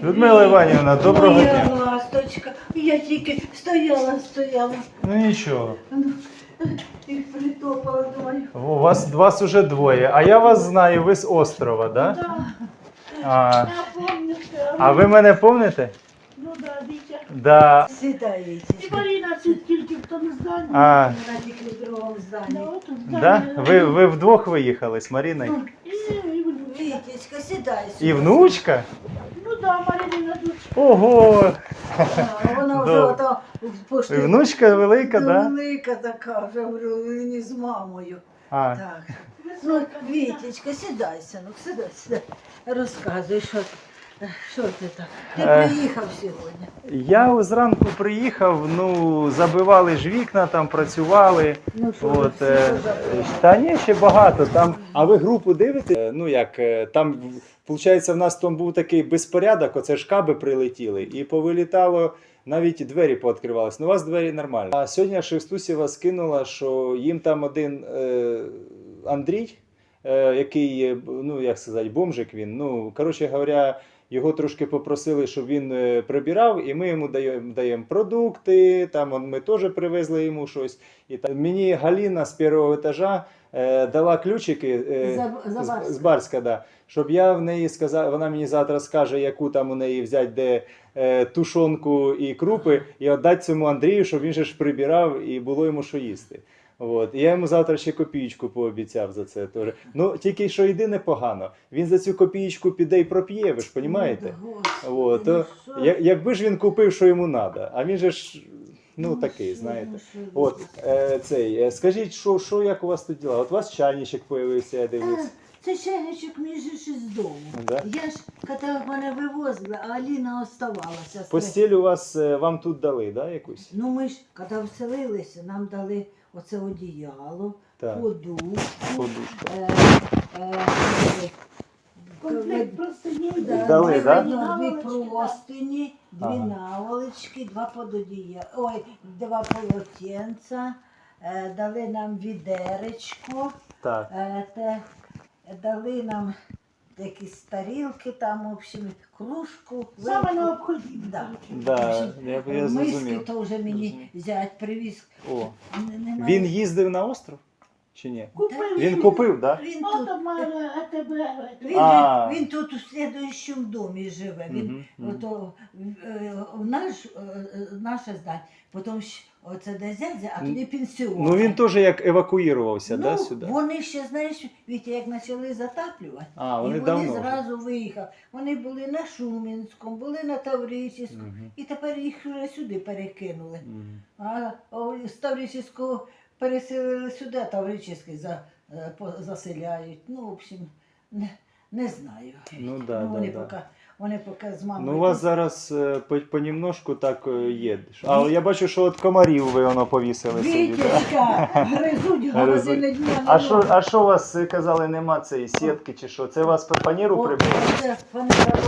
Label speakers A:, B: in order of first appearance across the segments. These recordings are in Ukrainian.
A: Людмила Іванівна, доброго
B: Моя
A: дня.
B: ласточка, я тільки стояла.
A: Ну нічого.
B: І притопала, думаю.
A: Вас уже двоє, а я вас знаю, ви з острова, да?
C: Да,
A: А,
C: я помню.
A: а ви мене пам'ятаєте?
C: Ну да, Вітя.
A: Да.
B: Сідай,
C: І
B: Вітечка.
C: Маріна це тільки в тому зданні.
A: А,
B: Вона тільки в другому
C: Да,
B: зданні.
C: от у
A: да?
C: зданні.
A: Ви вдвох виїхали з Маріною?
C: І внучка.
B: Вітечка, сідай.
A: І внучка?
C: Ну да, Маріна дочка.
A: Ого!
B: Вона вже
A: Добре.
B: ото
A: І внучка велика, да?
B: велика така, вже говорю, не з мамою.
A: А,
B: Так. Ну, Вітечка, сідай, синок, сідай. Розказуй, що ти так? Ти приїхав сьогодні.
A: я зранку приїхав, ну, забивали ж вікна, там працювали.
B: Ну, що,
A: От,
B: всі позабрали?
A: та ні, ще багато. Там, а ви групу дивите? Ну як, там, виходить, в нас там був такий безпорядок, оце ж каби прилетіли, і повилітало, навіть двері пооткривались. Ну, у вас двері нормально. А сьогодні Шевстусєва скинула, що їм там один Андрій, який, ну як сказати, бомжик він, ну, коротше говоря, його трошки попросили, щоб він прибирав, і ми йому даємо продукти, там ми теж привезли йому щось. І там мені Галіна з першого етажа дала ключики з Барська, да, щоб я в неї сказав, вона мені завтра скаже, яку там у неї взяти, де тушонку і крупи, і віддати цьому Андрію, щоб він же ж прибирав і було йому що їсти. От. І я йому завтра ще копієчку пообіцяв за це теж. Ну, тільки що єдине погано. Він за цю копієчку піде і проп'є, ви ж розумієте? От. То, якби ж він купив, що йому треба, а він же ж, ну, такий, знаєте. От, скажіть, що як у вас тут діла? От у вас чайничок з'явився, я дивлюсь.
B: Це чайничок мій же ж із дому.
A: Да?
B: Я ж, коли мене вивозили, а Аліна оставалася.
A: Постіль у вас, вам тут дали, да, якусь?
B: Ну ми ж, коли вселилися, нам дали оце одіяло,
A: Так.
B: подушку,
A: Подушку.
C: Комплект просто не
A: Дали, да?
B: Дві простині, дві
A: Ага.
B: наволочки, два полотенця, дали нам відеречко,
A: Так.
B: дали нам якісь тарілки, там, в общем, кружку.
C: Саме
B: вилку.
C: необхідне.
B: Да.
A: Да, я
B: Миски
A: зрозумів.
B: то вже мені зять привіз.
A: О.
B: Немає.
A: Він їздив на остров? Чи ні?
C: Купив.
A: Він купив, так? Да?
B: Він тут,
C: Ото має АТБ.
B: він тут у слідуючому домі живе. Він,
A: Мгм, мгм.
B: ото, наше здання. Потім оце де зять, а тоді пенсіон.
A: Ну він теж як евакуювався,
B: Ну,
A: да, сюди?
B: вони ще, знаєш, Вітя, як почали затаплювати,
A: А,
B: і
A: вони
B: вони
A: давно вже.
B: зразу виїхали. Вони були на Шумінському, були на Тавричівському,
A: Мгм.
B: і тепер їх вже сюди перекинули.
A: Мгм.
B: А з Тавричівського переселили сюди, а Тавричівський заселяють. Ну, в общем, не знаю.
A: Ну да,
B: Ну,
A: да, да.
B: вони поки з мамою.
A: Ну у вас зараз понемножку так є. А я бачу, що от комарів ви воно повісили собі. Да?
B: Вітечка, гризуть години дня.
A: А що у вас казали, нема цієї сітки чи що? Це вас фанеру прибили?
B: Вона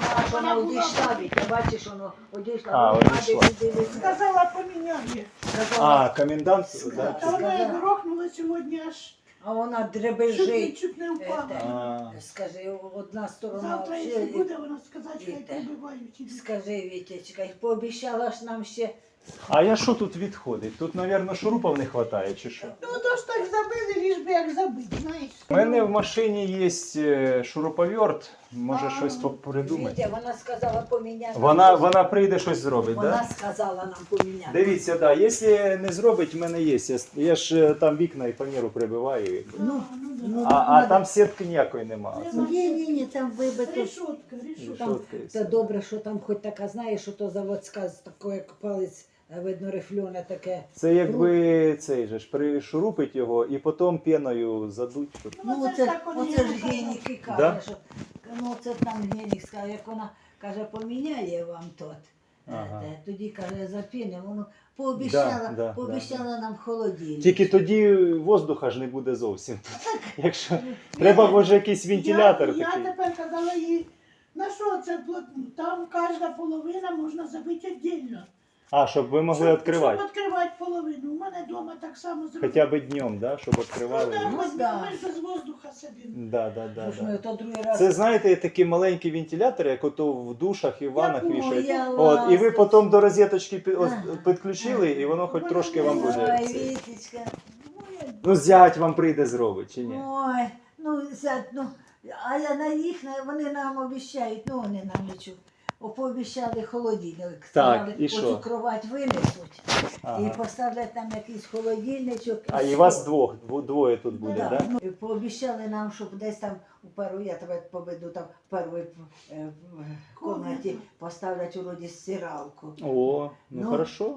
B: одійшла, Вітя, бачиш, воно одійшла.
A: А,
B: Вона
A: одійшла.
B: дивись.
C: Сказала, поміняє.
A: А, комендант, да?
C: Та вона як грохнула сьогодні аж
B: А вона
C: чуть не,
B: дребежить.
C: чуть не впала.
A: А,
B: Скажи, одна сторона.
C: Завтра,
B: взагалі-
C: якщо буде, вона сказати, що
B: Віта.
C: я прибивають.
B: Скажи, Вітечка, пообіцяла ж нам ще.
A: а я що тут відходить? Тут, мабуть, шурупів не вистачає, чи що?
C: Ну то ж так забили, ліж би як забити, знаєш.
A: У мене в машині є шуруповерт, може щось придумати.
B: Вітя, вона сказала поміняти.
A: Вона прийде щось зробить, так?
B: Вона
A: Да?
B: сказала нам поміняти.
A: Дивіться, да, якщо не зробить, в мене є. Я ж там вікна і фанеру прибиваю.
B: Ну,
A: А там сітки ніякої немає.
B: Ні, там вибито.
C: Решетка, решетка.
B: Там,
A: Решотка і
B: та
A: все.
B: добре, що там хоч така, знаєш, що то заводська, з такою, як палець, видно, рифльоне таке.
A: Це якби цей же ж пришурупить його і потім пеною задуть. Щоб...
B: Ну,
C: це ж так вони
B: оце ж
C: казали.
B: генік і каже,
A: Да?
B: що ну, це там генік скаже, як вона каже, поміняє вам тот.
A: Ага.
B: Тоді каже, запіне, воно пообіцяла,
A: Да,
B: пообіцяла нам холодильник.
A: Тільки тоді воздуха ж не буде зовсім. Якщо треба, може, якийсь вентилятор
C: Я
A: такий.
C: тепер казала їй, на що це плотно? Там кожна половина можна забити віддільно.
A: А, щоб ви могли відкривати.
C: Щоб відкривати половину. У мене вдома так само зробили.
A: Хоча б днем, да? Щоб
C: Ну,
A: відкривали.
C: да,
B: Ну,
C: ми,
B: да.
C: ми ж без воздуха сидимо.
A: Да.
B: Ми то другий раз.
A: Це, знаєте, такі маленькі вентилятори, як ото в душах і в ваннах
C: Я
A: вішають.
B: я
A: От, і ви
B: ласточка.
A: потім до розеточки
B: Ага.
A: підключили, і воно хоч трошки вам буде.
B: Ой,
A: це.
B: Вітечка.
A: Ну, зять вам прийде зробить, чи ні?
B: Ой, ну, зять, ну, а я на їх, вони нам обіцяють, ну, вони нам нічого. Пообіцяли холодильник. Сказали,
A: і що?
B: оцю кровать винесуть
A: Ага.
B: і поставлять там якийсь холодильничок.
A: А і
B: все.
A: вас двоє тут буде,
B: Да,
A: так? Да?
B: ну, і пообіцяли нам, щоб десь там у першій, я тебе поведу, там в першій кімнаті поставлять вроді стиралку.
A: О, ну
B: Ну,
A: хорошо.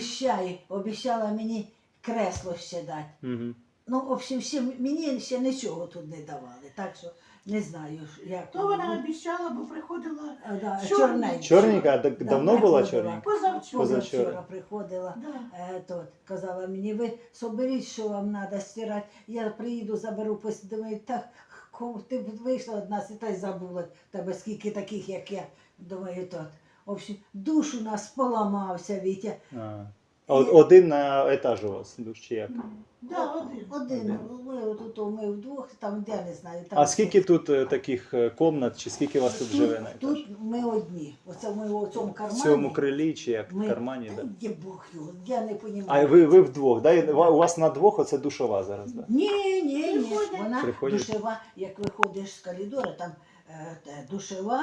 B: Обіцяла мені кресло ще дати.
A: Угу.
B: Ну, в общем, мені ще нічого тут не давали, так що не знаю, як.
C: То вона обіцяла, бо приходила
B: Да,
C: чорна.
B: чорненька.
A: Чорненька, а
B: Да,
A: давно була
B: приходила.
A: чорненька?
C: позавчора.
A: Позавчора.
B: Позавчора приходила.
C: Да.
B: Казала мені, ви соберіть, що вам треба стирати. Я приїду, заберу, думаю, так, ти б вийшла од нас і та й забула тебе, скільки таких, як я. Думаю, тут. В общем, душ у нас поламався, Вітя.
A: А один на етаж у вас, душ чи як?
C: Да, один.
B: Один, ми вдвох, там, де не знаю. Там
A: А скільки тут таких комнат, чи скільки вас тут живе на етаж?
B: Тут ми одні. Оце ми у цьому
A: В
B: кармані.
A: цьому крилі чи як?
B: Ми-
A: В кармані,
B: Та
A: так? Да?
B: є Бог його, я не розумію.
A: А ви вдвох, да? У вас на двох оце душова зараз, так? Да?
B: Ні.
C: Приходять.
B: Вона
A: Приходять.
B: душева, як виходиш з коридора, там душева,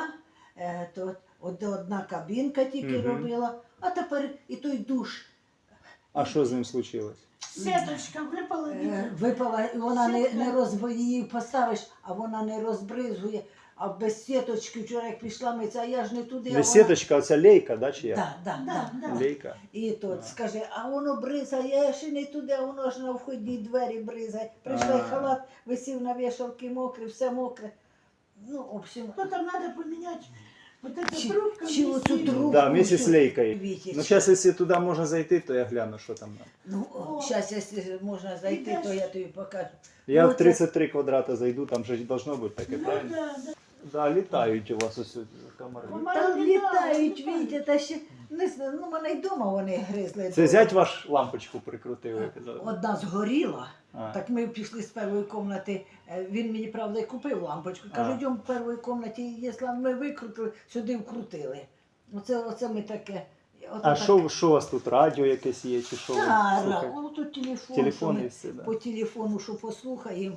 B: то одна кабінка тільки
A: Мгм.
B: робила, а тепер і той душ
A: А що з ним случилось?
C: Сеточка випала.
B: випала, і вона
C: Сітка.
B: не її поставиш, а вона не розбризує. А без сіточки вчора як пішла митися, а я ж не туди.
A: Не сіточка, оця лейка, да, чи як?
B: Да.
A: Лейка.
B: І тут
A: А.
B: скаже, а воно бризає, я ще не туди, а воно ж на входні двері бризає. Прийшла
A: А.
B: і халат, висів на вішалки мокрий, все мокре. Ну, в общем,
C: Ну там треба поміняти. Вот эта
B: Чи-
C: трубка.
B: чи
C: висит.
B: оцю трубку.
A: Да, вместе з лейкою.
B: Вітечка.
A: Ну, зараз, якщо туди можна зайти, то я гляну, що там.
B: Ну, зараз, якщо можна зайти,
C: Ідеш.
B: то я тобі покажу.
A: Я
B: Ну,
A: в
B: це-
A: 33 квадрата зайду, там же должно бути таке,
C: Ну,
A: правильно?
C: да.
A: Да, літають у вас ось комари.
C: Комари
B: Там
C: літають,
B: літають, Вітя, та ще, не знаю, ну, мене й вдома вони гризли.
A: Це зять ваш лампочку прикрутив, ви казали?
B: Одна згоріла.
A: А.
B: Так ми пішли з першої кімнати, він мені, правда, і купив лампочку. Кажу,
A: А.
B: йдемо в першій кімнаті, якщо ми викрутили, сюди вкрутили. Оце ми таке.
A: А що у вас тут, радіо якесь є, чи що? ви слухаєте?
B: Тут телефон,
A: Телефон
B: що
A: і
B: ми
A: все, да.
B: по телефону, що послухаємо,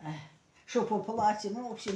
B: що поплачемо. Ну, в общем,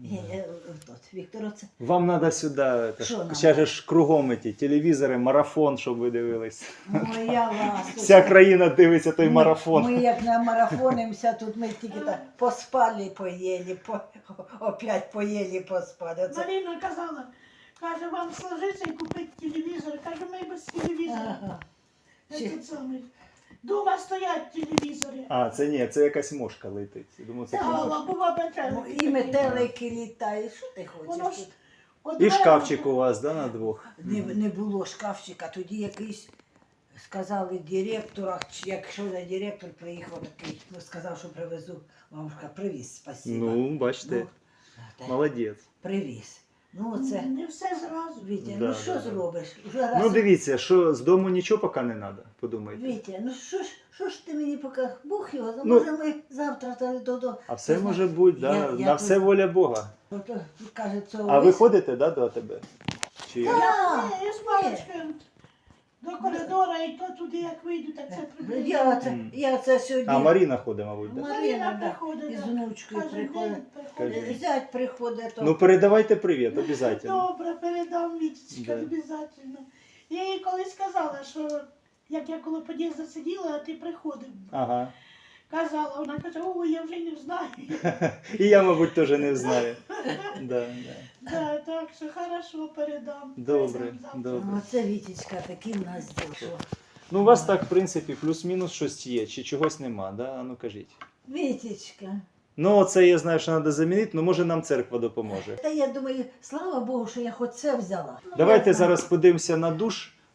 B: Віктор, оце.
A: Вам треба сюди,
B: Що нам?
A: зараз ж кругом ті телевізори, марафон, щоб ви дивились.
B: Моя ласка.
A: Вся країна дивиться той марафон.
B: Ми як на марафонимося, тут ми тільки так поспали, поїли, опять поїли, поспали. Оце.
C: Марина казала, каже, вам сложиться і купити телевізор. Каже, ми без телевізора.
B: Ага.
C: Этот самий. Дома стоять телевізори.
A: А, це ні, це якась мошка летить. Думаю, це
C: Та,
A: мошка.
C: бува
B: Ну,
C: метелики.
B: і метелики літають. Що ти
C: Воно
B: хочеш?
C: ж
B: тут?
C: от
A: І
C: мене-
A: шкафчик у вас, да, на двох?
B: Не було шкафчика, тоді якийсь сказали директора, якщо не директор приїхав такий, ну, сказав, що привезу. Мамушка, привіз, спасибо.
A: Ну, бачите,
B: та-
A: молодець.
B: привіз. Ну, це,
C: Не все зразу.
B: Вітя,
A: Да,
B: ну що
A: да.
B: зробиш? Вже раз...
A: Ну дивіться, що з дому нічого поки не треба, подумайте.
B: Вітя, ну що ж ти мені поки, Бог його,
A: Ну,
B: може ми завтра до...
A: А все може бути, да,
B: Я
A: на
B: тут-
A: все воля Бога.
B: Каже, це
A: А ви ходите, да, до тебе? Чи як?
C: Я з паличкою до коридора і то туди, як вийду, так це приблизно.
B: Я це сьогодні...
A: А Маріна ходить, мабуть, да?
B: Марина, да,
C: приходить,
B: із
C: да.
B: внучкою
C: Кожен
B: приходить.
C: день приходить.
A: Кажи.
B: Зять приходить, то...
A: Ну передавайте привіт, обов'язково.
C: Добре, передам Вітечка,
A: Да.
C: обов'язково. Я їй колись сказала, що як я коло під'їзду сиділа, а ти приходив.
A: Ага.
C: Казала, вона каже, ой, я вже не знаю.
A: І я, мабуть, теж не знаю. Да.
C: Да, так що хорошо передам.
A: Добре,
C: Передам завтра.
A: добре.
B: Оце Вітечка, такий в нас дійшов.
A: Ну, у вас так, в принципі, плюс-мінус щось є, чи чогось нема, да? А ну кажіть.
B: Вітечка.
A: Ну, це я знаю, що треба замінити, ну може нам церква допоможе.
B: Та я думаю, слава Богу, що я хоч це взяла.
A: Давайте
B: Я знаю.
A: зараз подивимося на душ.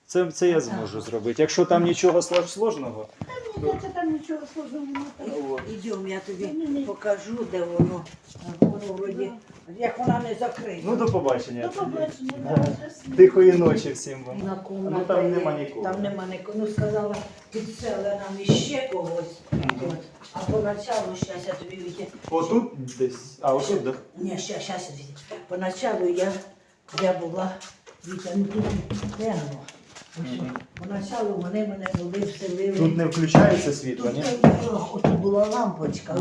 A: Це я зможу зробити. Якщо там нічого сложного,
C: Та мені це там нічого сложного немає.
B: Ідемо, я тобі покажу, де воно. Воно вроді, як вона не закрита.
A: ну до побачення.
C: До побачення.
A: Да.
C: Да, щасливо.
A: Тихої ночі всім вам.
B: На комната
A: Ну там
B: є.
A: нема нікого.
B: Там нема нікого. Ну сказала, підсели нам іще когось. От. А поначалу, щас я тобі віді.
A: Отут десь. А отут, да?
B: Ні, щас віді. Поначалу я була, Вітя, ну тут темно. Ось, Поначалу вони мене були вселили.
A: Тут не включається світло, ні?
B: Отут була лампочка,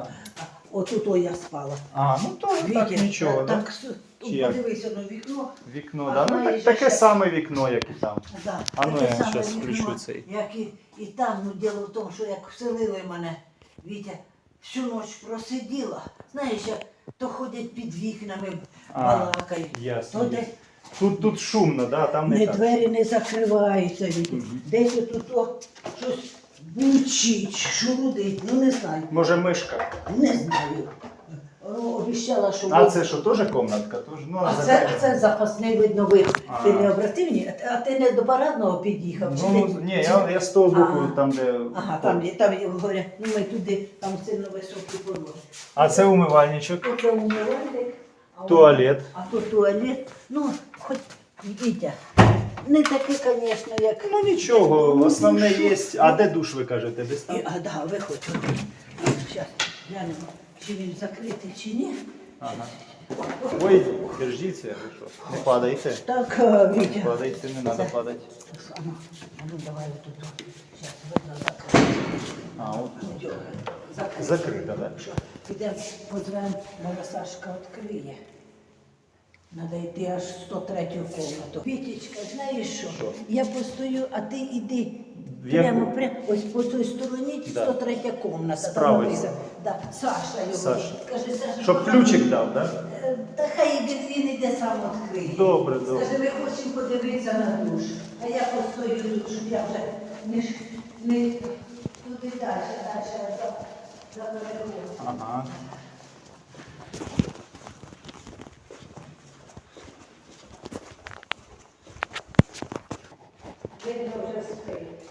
B: отут я спала.
A: А, ну то так
B: Вітя,
A: нічого, да?
B: так,
A: Чи як?
B: подивися на вікно.
A: Вікно,
B: А
A: да? Ну
B: знаєш,
A: таке
B: ще-
A: саме вікно, як і там.
B: Да,
A: А ну,
B: таке
A: я
B: саме
A: щас
B: вікно,
A: включу цей.
B: Як і там, ну діло в тому, що як вселили мене, Вітя, всю ніч просиділа. Знаєш, як то ходять під вікнами,
A: А,
B: балакають.
A: ясно,
B: То
A: ясно.
B: десь
A: Тут шумно, да? Там не
B: не
A: так.
B: двері не закриваються, Вітя. Десь тут щось бучить, шурудить, ну не знаю.
A: Може мишка?
B: Не знаю. Обіцяла, що
A: А це що, теж комнатка? Тож, ну,
B: А
A: закрито.
B: це запасний видно вид.
A: А.
B: Ти не обратив, ні? А ти не до парадного під'їхав? Чи
A: Ну,
B: ти-
A: ні,
B: чи-
A: я з того боку,
B: Ага.
A: там, де...
B: Ага, там говорять, ну ми туди, там сильно високі пороги.
A: А це умивальничок,
B: Тут це умивальник, а
A: туалет.
B: А тут туалет. Ну, хоч, Вітя, не таке, звісно, як...
A: Ну нічого,
B: Ну,
A: основне
B: що?
A: є. А де душ ви кажете? Десь там?
B: Да, виходь. Зараз глянемо, чи він закритий, чи ні.
A: Ага. Ой, держіться, ви що? Не падайте.
B: Так, Вітя.
A: Падайте, не треба падати.
B: Ну, давай тут. Зараз видно закрито.
A: А, от.
B: Закрито.
A: Закрито, так?
B: Що, підемо, позвемо, може Сашка відкриє. Надо йти аж в 103-ю комнату. Вітечка, знаєш що?
A: Що?
B: Я постою, а ти йди.
A: В яку?
B: Прямо, ось по цій стороні
A: Да.
B: 103-я комната.
A: З правої.
B: Там написано. Да. Саша його.
A: Саша.
B: Скажи, Саша,
A: Щоб ключик дав, так?
B: Та хай він іде сам відкриє.
A: Добре, добре.
B: Скажи, ми хочемо подивитися на душ. А я постою тут, щоб я вже не туди далі за берегом.
A: Ага.
B: Видно вже спить.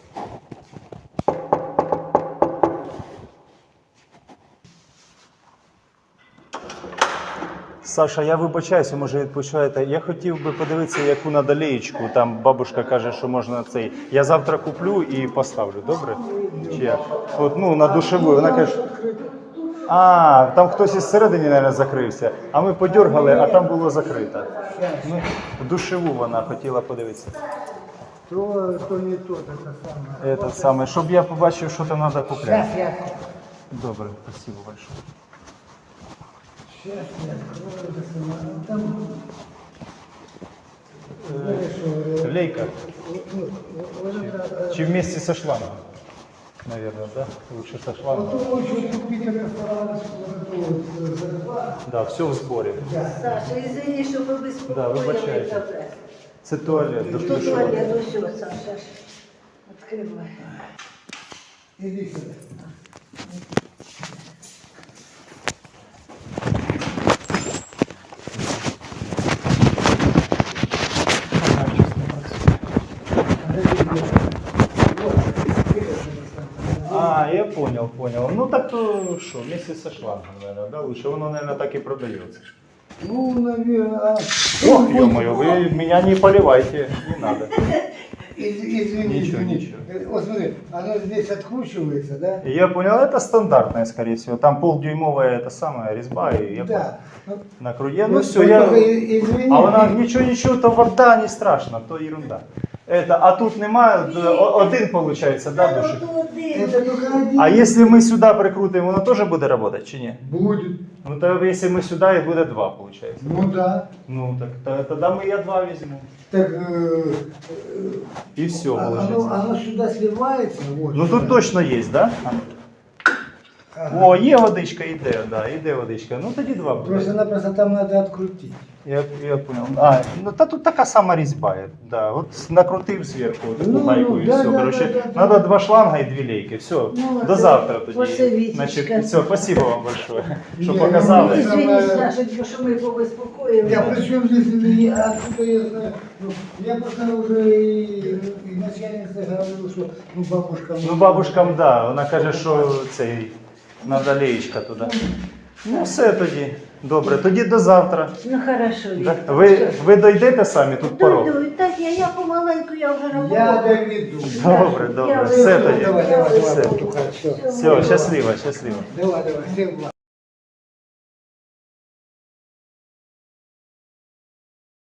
A: Саша, я вибачаюся, може відпочиваєте. Я хотів би подивитися, яку надо леєчку. Там бабушка каже, що можна цей. Я завтра куплю і поставлю, добре? Чи як? От, ну, на душеву. Вона каже. А, там хтось із середини, мабуть, закрився. А ми подергали, а там було закрито. Ми в душеву вона хотіла подивитися.
D: То не то, это самое.
A: Це саме, щоб я побачив, що там треба купляти.
B: Сейчас я.
A: Добре, спасибо большое.
D: Сейчас я открою это самое. Там, знаешь, что,
A: Лейка.
D: ну, вот это,
A: Чи вместе со шлангом? Наверное, да? Лучше со шлангом.
D: вот очень купить ресторан, вот эту вот зарплату.
A: Да, все в зборі.
B: Саша, извини, що ви безпокоїли
A: Да, вибачайте.
B: тебе.
A: Це туалет,
B: Тут
A: душова.
B: туалет, ось, Саша. Відкривай.
D: Иди сюда.
A: А, я понял, понял. Ну так то что, вместе со шлангом, наверное, да? Лучше воно, наверное, так и продается.
D: Ну, наверное,
A: Ох, ё-моё, вы меня не поливайте, не надо.
D: Извини,
A: Ничего,
D: извини.
A: ничего.
D: Вот смотри, оно здесь откручивается, да?
A: Я понял, это стандартное, скорее всего. Там полдюймовая это самая резьба, и я
D: Да. Ну,
A: на круге. Ну
D: вот
A: все, я...
D: только извини.
A: А вона нічого, то вода не страшно, то ерунда. Это, а тут немає, один получается, да, душик?
D: Это только один.
A: А если мы сюда прикрутим, воно теж буде работать чи ні?
D: Будет.
A: Ну то если мы сюда, и буде два, получается.
D: Ну да.
A: Ну так тогда мы я два возьму.
D: Так
A: И все,
D: оно
A: получается.
D: сюда сливается. Вот,
A: Ну тут
D: сюда.
A: точно есть, да?
D: Ага.
A: О, є водичка, іде, да, іде водичка. Ну тоді два буде.
D: Просто там надо открутить.
A: Я понял. А, ну та тут така сама різьба. Да. От накрутив зверху таку
D: Ну,
A: гайку і
D: да,
A: все.
D: да,
A: Короче,
D: да, да,
A: надо
D: да.
A: 2 шланга і 2 лейки. Все.
B: Ну,
A: До
B: це
A: завтра тоді.
B: оце Вітечка.
A: Значить, все, спасибо вам большое, що
D: Ні,
A: показали.
D: ну,
B: Извини, Сашенька, що ми побезпокоїли.
D: Я при чем здесь и откуда я знаю? Ну, я просто уже и начальнице говорил, что ну бабушка.
A: Ну, бабушкам, да, вона каже, що цей надо леєчка туди. Ну, все тоді. Добре, тоді до завтра.
B: Ну хорошо,
A: Да?
B: Вітя.
A: Ви дойдете самі тут порог?
B: Дойду, так я помаленьку, я вже на
D: Я
B: порог.
D: доведу.
A: Добре, добре.
B: Я
A: Все
B: вже-
A: тоді.
D: Давай, давай,
A: Все.
D: давай, Петуха, все.
A: Все, щасливо, щасливо.
D: Давай, давай, всем благ.